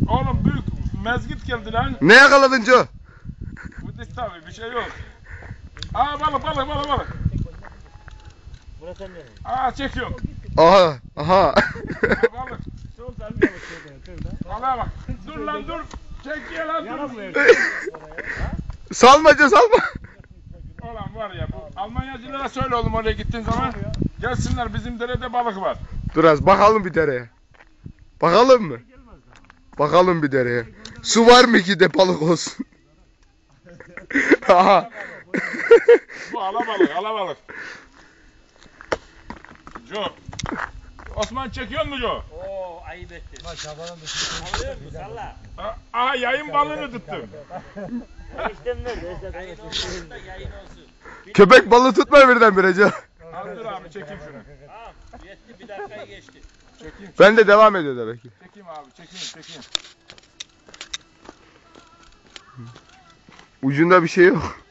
Oğlum büyük mezgit geldi lan. Ne yakaladın Joe? Bu tabii bir şey yok. Aa balık. Burası ne? Aa çekiyor. Aha. Balık. Soldan bir balık şurada. Balığa bak. Dur lan dur. Çekiyor lan dur. Yaramıyor. Salma Joe salma. Ulan var ya bu Almanyacılara söyle oğlum oraya gittiğin zaman. Gelsinler bizim derede balık var. Dur az bakalım bir dereye. Bakalım mı? Bakalım bir dereye. Su var mı ki de balık olsun? Aha. Bu alabalık. Jo. Osman çekiyor mu Jo? Oo ayıp ettin. Alıyor musun? Salla. Aha yayın balığını tuttum. Eniştem nerede? Yayın olsun da yayın olsun. Köpek balığı tutma birdenbire Joe. Al dur abi çekeyim şunu. Tamam. Yetti bir dakikayı geçti. Çekeyim. Ben de devam ediyor demek ki. Çekeyim abi çekeyim. Ucunda bir şey yok.